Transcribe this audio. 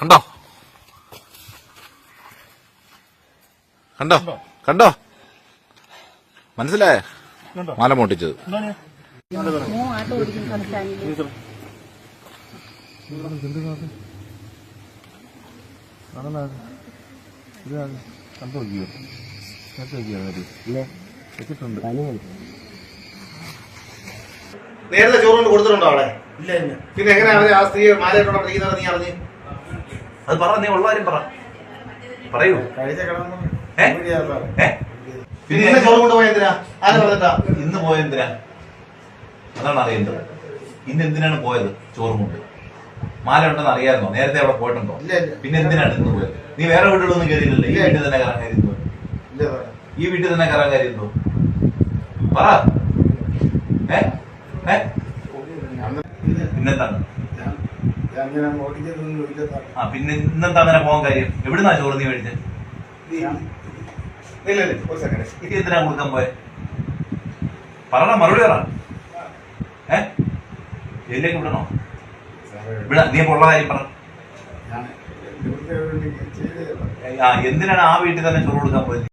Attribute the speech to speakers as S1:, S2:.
S1: കണ്ടോ കണ്ടോ കണ്ടോ മനസ്സിലായേ മാല മോട്ടിച്ചത്.
S2: നേരത്തെ ചോറുകൊണ്ട് കൊടുത്തിട്ടുണ്ടോ അവിടെ? ഇല്ല. പിന്നെ എങ്ങനെയാ ആ സ്ത്രീ മാലയിട്ടോടെ പഠിക്കുന്നത് നീ അറിഞ്ഞ്?
S3: അത് പറ, നീ ഉള്ള കാര്യം പറയൂ.
S2: പിന്നെ ചോറ് കൊണ്ടുപോയ എന്തിനാ? ആരും പറഞ്ഞിട്ടാ?
S3: ഇന്ന് പോയ എന്തിനാ? അതാണ് അറിയേണ്ടത്. ഇന്ന് എന്തിനാണ് പോയത്? ചോറും കൊണ്ട്. മാല ഉണ്ടെന്ന് അറിയാമായിരുന്നോ? നേരത്തെ അവിടെ പോയിട്ടുണ്ടോ? പിന്നെ എന്തിനാണ് ഇന്ന് പോയത്? നീ വേറെ വീടുകളൊന്നും കയറിയില്ലല്ലോ. ഈ വീട്ടിൽ തന്നെ കയറാൻ കാര്യമുണ്ടോ? ഈ വീട്ടിൽ തന്നെ കയറാൻ കാര്യമുണ്ടോ? പറ. പിന്നെന്താണ്? പിന്നെ ഇന്നെന്താ അങ്ങനെ പോകാൻ കാര്യം? എവിടുന്നാ ചോറ് നീ മേടിച്ചത്? എന്തിനാ കൊടുക്കാൻ പോയെ? പറ, മറുപടി പറ. ജയിലിലേക്ക് വിടണോ? നീ അപ്പൊ ഉള്ള കാര്യം പറ. എന്തിനാണ് ആ വീട്ടിൽ തന്നെ ചോറ് കൊടുക്കാൻ പോയത്?